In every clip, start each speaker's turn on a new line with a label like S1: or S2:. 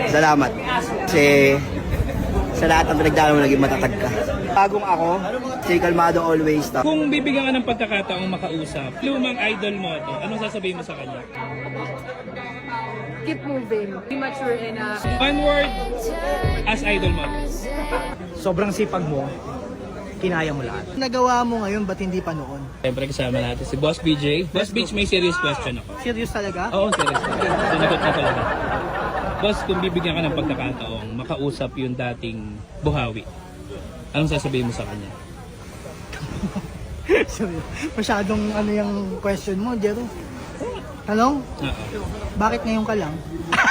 S1: Salamat. Kasi sa lahat ng pinagdala mo, naging matatag ka. Bagong ako, stay kalmado always.
S2: Kung bibigyan ka ng pagkakataong makausap, lumang idol mo to, anong sasabihin mo sa kanya?
S3: Keep moving. Be mature enough.
S2: One word as idol mo.
S4: Sobrang sipag mo, kinaya mo lahat. Nagawa mo ngayon, ba't hindi pa noon?
S2: Siyempre kasama natin si Boss BJ. Boss BJ, may serious question ako.
S4: Serious talaga?
S2: Oo, serious. Sinagot na talaga. Boss, kung bibigyan ka ng pagkakataong makausap yung dating buhawi, anong sasabihin mo sa kanya?
S4: Sorry. Masyadong ano yung question mo, Jero. Tanong,
S2: Oo.
S4: bakit ngayon ka lang?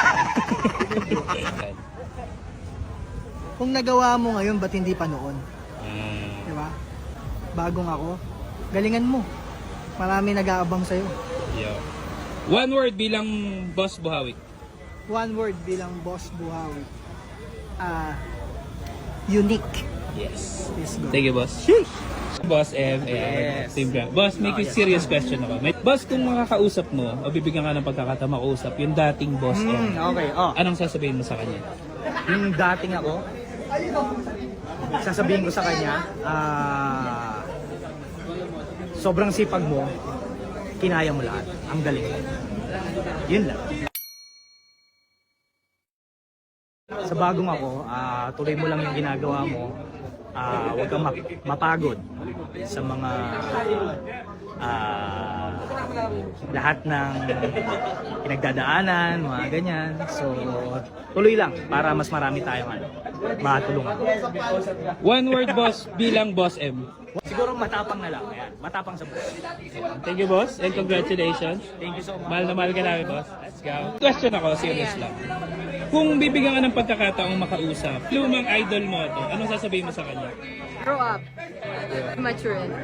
S4: Kung nagawa mo ngayon, ba't hindi pa noon? Di ba? Bagong ako, galingan mo. Marami nag-aabang sa'yo.
S2: Yo. One word bilang Boss Buhawi.
S4: One word bilang Boss Buhawi. Unique.
S2: Yes.
S4: Let's go.
S2: Thank you, Boss. Boss M, Team Grab. Boss, may serious question ako. Boss, kung makakausap mo o bibigyan ka ng pagkakataon makausap yung dating Boss M,
S4: Okay,
S2: anong sasabihin mo sa kanya?
S4: Yung dating ako, sasabihin ko sa kanya, sobrang sipag mo, kinaya mo lahat. Ang galing. Yun lang. Sa bagong ako, tuloy mo lang yung ginagawa mo. Huwag kang mapagod sa mga lahat ng pinagdadaanan, mga ganyan. So, tuloy lang para mas marami tayong matulungan.
S2: One word, Boss, bilang Boss M.
S4: Siguro matapang na lang. Ayan. Matapang sa buhay.
S2: Thank you, Boss, and congratulations.
S4: Thank you so much.
S2: Mahal na mahal ka namin, Boss. Let's go. Question ako, serious lang. Kung bibigyan ka ng pagkakataong makausap, lumang idol mo to, anong sasabihin mo sa kanya?
S3: Grow up. Be mature enough.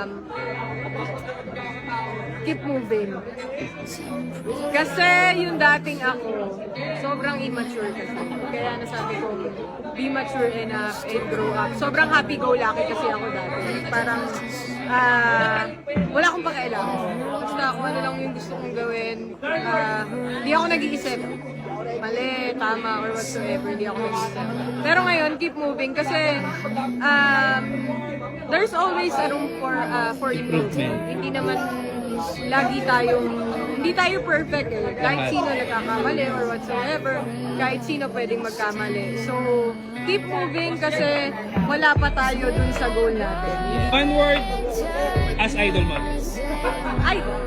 S3: Keep moving. Kasi yung dating ako, sobrang immature kasi. Kaya nasabi ko, be mature enough and grow up. Sobrang happy-go-lucky kasi ako dati. Parang, wala akong pakialam. Basta kung ano lang yung gusto kong gawin. Hindi ako nag-iisip. Mali, tama, or whatsoever. Hindi ako nag-iisip. Pero ngayon, keep moving kasi there's always a room for improvement. Hindi naman lagi hindi tayo perfect eh. Kahit sino nagkakamali or whatsoever, kahit sino pwedeng magkamali. So, keep moving kasi wala pa tayo dun sa goal natin.
S2: One word as idol mo.
S3: Idol.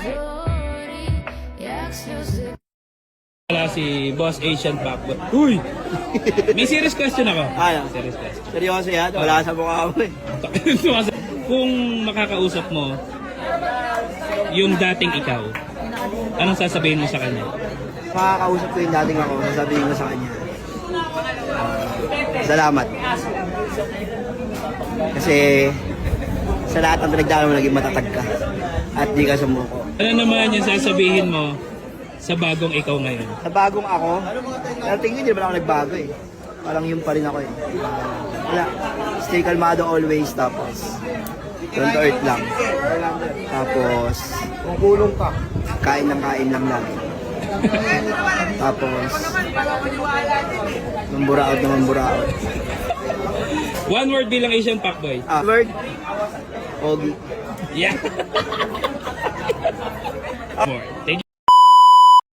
S2: Wala si Boss Asian Pacboy. Uy! May serious question ako.
S1: Ano?
S2: Serious question.
S1: Seryoso yan? Wala sa mukha mo eh.
S2: Kung makakausap mo yung dating ikaw, anong sasabihin mo sa kanya?
S1: Makakausap ko yung dating ako, sasabihin ko sa kanya. Salamat. Kasi sa lahat ng pinagdala mo, naging matatag ka. At di ka sumuko.
S2: Ano naman yung sasabihin mo sa bagong ikaw ngayon?
S1: Sa bagong ako, pero tingin hindi naman ako nagbago eh. Parang yun pa rin ako eh. Wala. Stay kalmado always, tapos down to earth lang. Tapos, kung kulong ka, kain lang lagi. Tapos, mamburaot na mamburaot.
S2: One word bilang Asian Pacboy.
S1: Word, Ogi.
S2: Yeah. More. Thank you.